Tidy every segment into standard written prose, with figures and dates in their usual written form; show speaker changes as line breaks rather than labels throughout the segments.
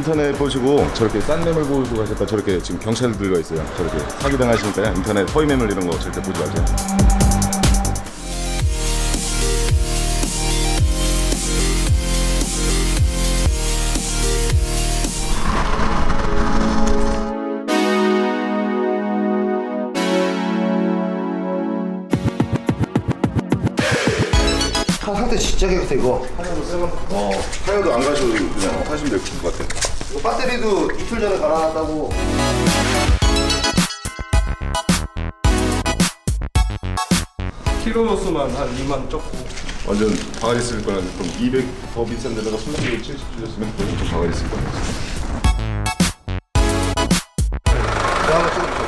인터넷 보시고 저렇게 싼 매물 보고 가셨다 저렇게 지금 경찰 들어가 있어요. 저렇게 사기 당하시니까 인터넷 허위 매물 이런 거 절대 보지 마세요.
차 상태 진짜 깨끗해 이거.
타이어도 안 가셔도 그냥 타시면 될 것 같아요.
이거 배터리도 이틀 전에 갈아놨다고.
키로 수만 한 2만 적고.
완전 바가지 쓸 거는 그럼 200 더 비싼 데다가 순간적으로 70 주셨으면 좀 바가지 쓸 거예요.
내가 한번 찍어볼게.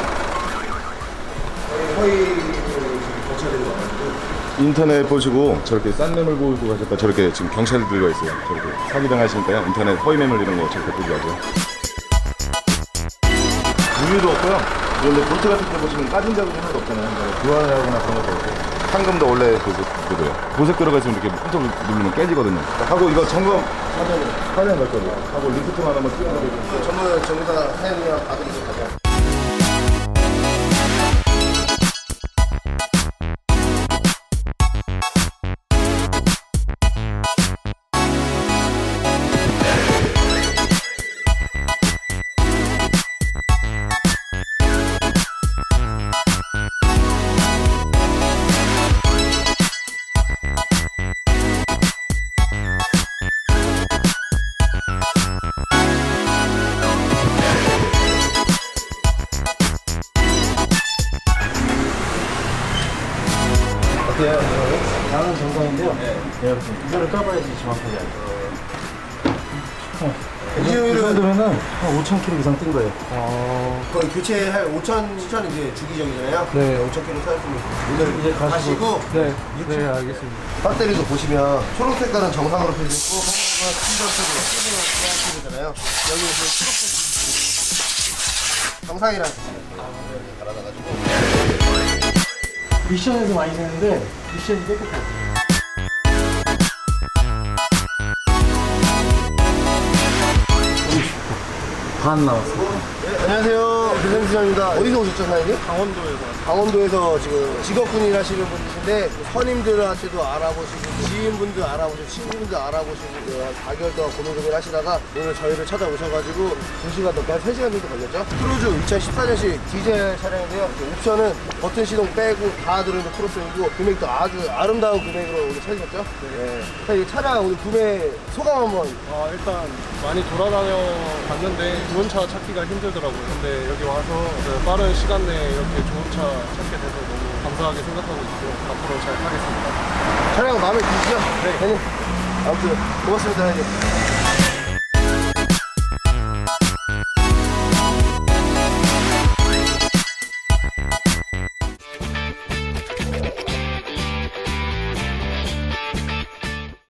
허위를 거쳐야 되는 거 같아요.
인터넷 보시고 저렇게 싼 매물 보고 가셨다 저렇게 지금 경찰 들어가 있어요. 저렇게 사기 당하시니까 인터넷 허위 매물 이런 거 절대 보지 마세요. 무유도 없고요. 그런데 볼트 같은 데 보시면 까진 자국이 하나도 없잖아요. 교환하거나 그런 것도 없고. 상금도 원래 그거예요. 보색 들어가 있으면 이렇게 손톱 누르면 깨지거든요. 하고 이거 점검 사전 갈 거예요. 하고 리프트만 한번 띄워드리고.
전부 다 사연이랑 받으면서 가자.
양은 정상인데요. 네. 이거를 까봐야지 정확하게 알죠. 이 정도면은 한 5,000km 이상 뛴 거예요.
거의 교체할 5천, 7천 이제 주기적이잖아요.
네.
5,000km 타셨으면 오늘
이제
가시고
네, 네, 알겠습니다.
배터리도 보시면 초록색깔은 정상으로 펴져 있고 하얀색은 흰색으로 펴져잖아요. 여기 초록색 정상이라는 뜻이에요. 갈아놔가지고
미션에서 많이 쓰는데 미션이 깨끗해요. 반 나왔어요.
네, 안녕하세요. 김생수장입니다. 어디서 오셨죠, 사장님?
강원도에서.
강원도에서 지금 직업군인 하시는 분이신데 선임들한테도 알아보시고 지인분들 알아보시고 친구분들 알아보시고 4개월 동안 고민 고민하시다가 오늘 저희를 찾아오셔가지고 2시간 넘게 한 3시간 정도 걸렸죠. 크루즈 2014년식 디젤 차량인데요. 옵션은 버튼 시동 빼고 다 들어있는 크로스이고 금액도 아주 아름다운 금액으로 오늘 찾으셨죠. 네. 자, 이 차량 오늘 구매 소감 한번.
일단 많이 돌아다녀 봤는데 좋은 차 찾기가 힘들더라고요. 근데 여기 와서 그 빠른 시간 내에 이렇게 좋은 차 찾게 돼서 너무 감사하게 생각하고 있고 앞으로 잘 타겠습니다.
차량 마음에 드시죠? 네. 아무튼 고맙습니다, 형님.